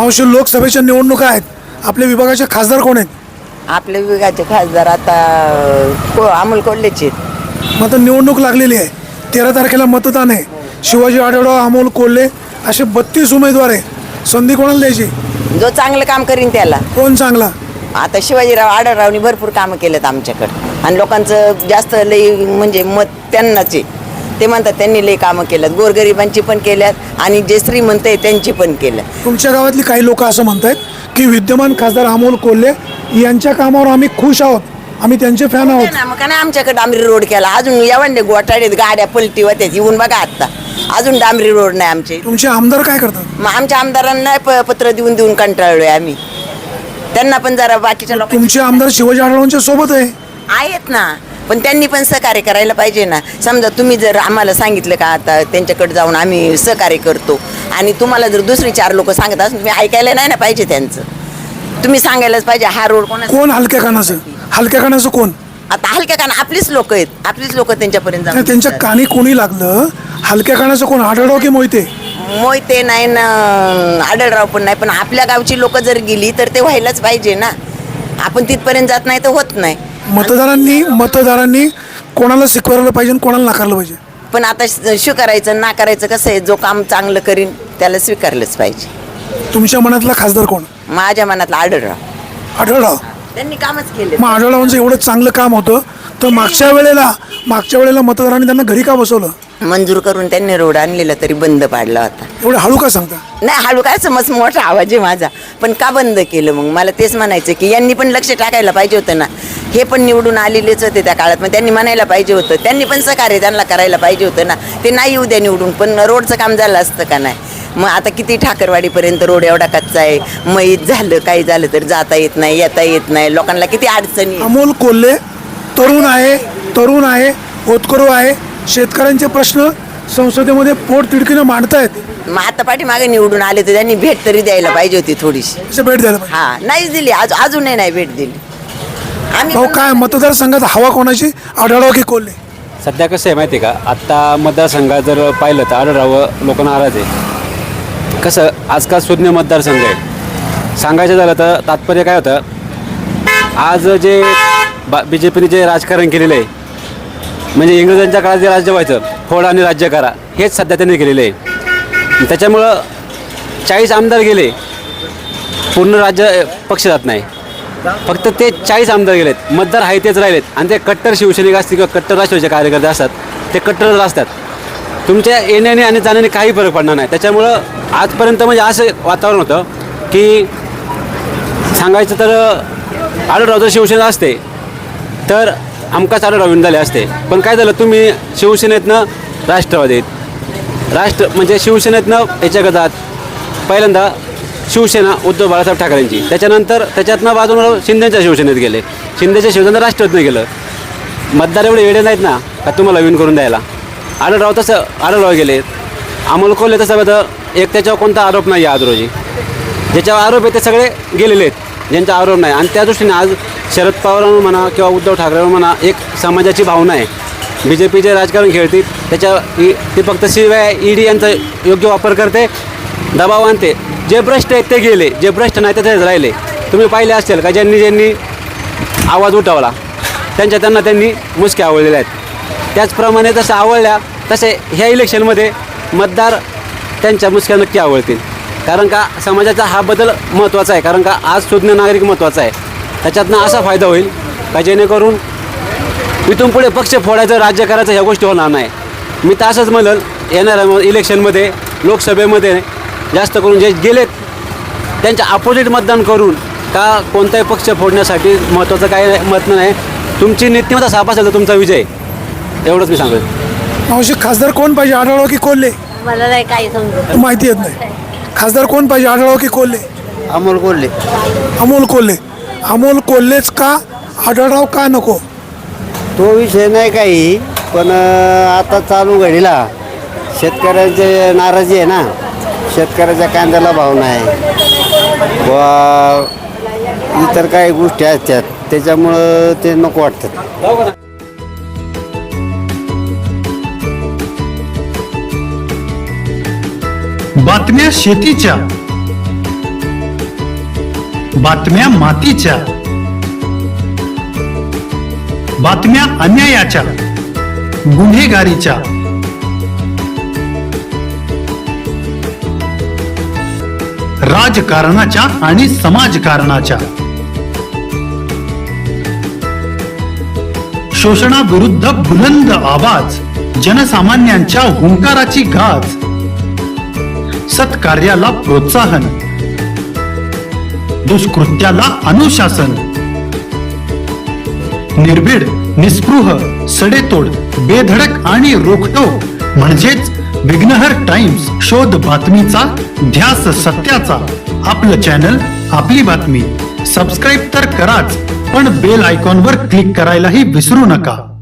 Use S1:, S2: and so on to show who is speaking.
S1: मावशी, लोकसभेच्या निवडणुका आहेत, आपल्या विभागाचे खासदार कोण आहेत?
S2: आपल्या विभागाचे खासदार आता अमोल कोल्हेचे आहेत.
S1: मग आता निवडणूक लागलेली आहे, 13 तारखेला मतदान आहे. शिवाजी आढळराव, अमोल कोल्हे असे 32 उमेदवार आहे. संधी कोणाला द्यायची?
S2: जो चांगलं काम करीन त्याला.
S1: कोण चांगला?
S2: आता शिवाजीराव आढळरावनी भरपूर कामं केलेत आमच्याकडं आणि लोकांचं जास्त लई म्हणजे मत त्यांनाच आहे. ते म्हणतात त्यांनी लई कामं केल्यात, गोरगरिबांची पण केल्यात आणि जे श्रीमंत आहे त्यांची पण केल्यात.
S1: तुमच्या गावातली काही लोक असं म्हणतात की विद्यमान खासदार अमोल कोल्हे यांच्या कामावर आम्ही खुश आहोत, आम्ही त्यांचे फॅन आहोत.
S2: ना मग काय आमच्याकडे डांबरी रोड केला, अजून एवढे गोटाडीत गाड्या पलटी होत्यात, येऊन बघा आता अजून डांबरी रोड नाही आमचे.
S1: तुमचे आमदार काय करतात?
S2: मग आमच्या आमदारांना पत्र देऊन देऊन कंटाळलोय आम्ही. त्यांना पण जरा बाकीच्या लोक
S1: तुमचे आमदार शिवाजी आढळरावांच्या सोबत आहे.
S2: आहेत ना, पण त्यांनी पण सहकार्य करायला पाहिजे ना. समजा तुम्ही जर आम्हाला सांगितलं का आता त्यांच्याकडे जाऊन आम्ही सहकार्य करतो आणि तुम्हाला जर दुसरी 4 लोक सांगत असून तुम्ही ऐकायला नाही ना पाहिजे त्यांचं. तुम्ही सांगायलाच पाहिजे हा रोड
S1: कोण हलक्या कानाचं? हलक्या कानाचं कोण?
S2: आता हलक्या काना आपलीच लोक आहेत, आपलीच लोक त्यांच्यापर्यंत
S1: नाही,
S2: जाऊन
S1: त्यांच्या कानी कोणी लागलं? हलक्या कानाचं कोण? आढळराव की मोहिते?
S2: मोहिते नाही ना, आढळराव पण नाही, पण आपल्या गावची लोक जर गेली तर ते व्हायलाच पाहिजे ना. आपण तिथपर्यंत जात नाही तर होत नाही.
S1: मतदारांनी कोणाला स्वीकारलं पाहिजे आणि कोणाला नाकारलं पाहिजे?
S2: पण आता स्वीकारायचं नाकारायचं कसं आहे, जो काम चांगलं करीन त्याला स्वीकारलंच पाहिजे.
S1: तुमच्या मनातला खासदार कोण?
S2: माझ्या मनातला आढळराव.
S1: आढळराव?
S2: त्यांनी कामच केले.
S1: मग आढळरावांचं एवढं चांगलं काम होतं तर मागच्या वेळेला मतदारांनी त्यांना घरी का बसवलं?
S2: मंजूर करून त्यांनी रोड आणलेला तरी बंद पाडला होता.
S1: एवढं हळू का सांगता?
S2: नाही हळू काय, समज मोठा आवाज आहे माझा, पण का बंद केलं? मग मला तेच म्हणायचं की यांनी पण लक्ष टाकायला पाहिजे होतं ना. हे पण निवडून आलेलेच होते त्या काळात, मग त्यांनी म्हणायला पाहिजे होतं, त्यांनी पण सहकार्य त्यांना करायला पाहिजे होतं ना. ते नाही येऊ द्या निवडून, पण रोडचं काम झालं असतं का नाही? मग आता किती ठाकरवाडीपर्यंत रोड एवढा कच्चा आहे, मैत झालं काही झालं तर जाता येत नाही, येता येत नाही, लोकांना किती अडचणी.
S1: अमोल कोल्हे तरुण आहे, होतकरू आहे, शेतकऱ्यांचे प्रश्न संसदेमध्ये पोट तिडकीनं मांडतायत.
S2: मग आता पाठीमागे निवडून आले तर त्यांनी भेट तरी द्यायला पाहिजे होती थोडीशी.
S1: भेट द्यायला पाहिजे.
S2: हा नाहीच दिली, अजूनही नाही भेट दिली.
S1: भाऊ, काय मतदारसंघात हवा कोणाची? आढळराव की कोल्हे?
S3: सध्या कसं आहे माहिती आहे का, आत्ता मतदारसंघात जर पाहिलं तर आढळराव लोक नाराज आहे. कसं आजकाल शून्य मतदारसंघ आहे. सांगायचं झालं तर तात्पर्य काय होतं, आज जे BJPने जे राजकारण केलेलं आहे, म्हणजे इंग्रजांच्या काळात जे राज्य व्हायचं, फोडा आणि राज्य करा, हेच सध्या त्यांनी केलेलं आहे. त्याच्यामुळं 40 आमदार गेले, पूर्ण राज्य पक्ष जात नाही, फक्त ते 40 आमदार गेलेत, मतदार आहे तेच राहिलेत. आणि ते कट्टर शिवसैनिक असतील किंवा कट्टर राष्ट्रवादीचे कार्यकर्ते असतात, ते कट्टरच असतात. तुमच्या येण्याने आणि जाण्याने काही फरक पडणार नाही. त्याच्यामुळं आजपर्यंत म्हणजे असं वातावरण होतं की सांगायचं तर आढळराव जर शिवसेना असते तर आमकाच आढळराव विन झाले असते. पण काय झालं, तुम्ही शिवसेनेतनं राष्ट्रवादीत म्हणजे शिवसेनेतनं याच्या गदात पहिल्यांदा शिवसेना उद्धव बाळासाहेब ठाकरेंची, त्याच्यानंतर त्याच्यातनं बाजूला शिंदेच्या शिवसेनेत गेले, शिंदेच्या शिवसेनेत राष्ट्रवादीत गेलं. मतदार एवढे वेळे नाहीत ना का तुम्हाला विन करून द्यायला. आढळराव गेले. अमोल कोल्हे तसं बघतं एक त्याच्यावर कोणता आरोप नाही आहे आज रोजी. ज्याच्यावर आरोप आहे ते सगळे गेलेले आहेत, ज्यांचा आरोप नाही. आणि त्या दृष्टीने आज शरद पवारांवर म्हणा किंवा उद्धव ठाकरेंवर म्हणा एक समाजाची भावना आहे. BJPचे राजकारण खेळतील, ते फक्त शिवाय ED यांचा योग्य वापर करते, दबाव आणते. जे भ्रष्ट आहेत ते गेले, जे भ्रष्ट नाही ते राहिले. तुम्ही पाहिले असेल का ज्यांनी आवाज उठवला त्यांनी मुसक्या आवळलेल्या आहेत. त्याचप्रमाणे जसं आवळल्या तसे ह्या इलेक्शनमध्ये मतदार त्यांच्या मुसक्या नक्की आवळतील. कारण का समाजाचा हा बदल महत्त्वाचा आहे, कारण का आज सुज्ञ नागरिक महत्त्वाचा आहे. त्याच्यातनं असा फायदा होईल का जेणेकरून इथून पुढे पक्ष फोडायचं राज्य करायचं ह्या गोष्टी होणार नाही. मी तर असंच म्हणलं, येणाऱ्या इलेक्शनमध्ये लोकसभेमध्ये जास्त करून जे गेलेत त्यांच्या अपोजिट मतदान करून का कोणताही पक्ष फोडण्यासाठी महत्त्वाचं काय मत नाही. तुमची नीतिमत्ता साफ असेल तर तुमचा विजय, एवढंच मी सांगेन.
S1: मावशी, खासदार कोण पाहिजे? आढळराव की कोल्हे?
S4: मला नाही काही समजत.
S1: माहिती येत नाही. खासदार कोण पाहिजे? आढळराव की कोल्हे?
S5: अमोल कोल्हे.
S1: अमोल कोल्हेच का? आढळराव का नको?
S5: तो विषय नाही काही, पण आता चालू घडीला शेतकऱ्यांची नाराजी आहे ना. शेतकऱ्याच्या कांद्याला भाव नाही व इतर काही गोष्टी असतात, त्याच्यामुळं ते नको वाटतात.
S6: बातम्या शेतीच्या,
S4: बातम्या मातीच्या, बातम्या अन्यायाच्या, गुन्हेगारीच्या, राजकारणाच्या आणि समाजकारणाच्या, शोषणाविरुद्ध बुलंद आवाज, जनसामान्यांच्या हुंकाराची गाज, सत्कार्याला प्रोत्साहन, दुष्कृत्याला अनुशासन, निर्भीड, निस्पृह, सडेतोड, बेधडक आणि रोखटोक म्हणजेच विघ्नहर टाइम्स. शोध बातमीचा, ध्यास सत्याचा. आपलं चॅनल, आपली बातमी. सबस्क्राईब तर कराच, पण बेल आयकॉनवर क्लिक करायलाही विसरू नका.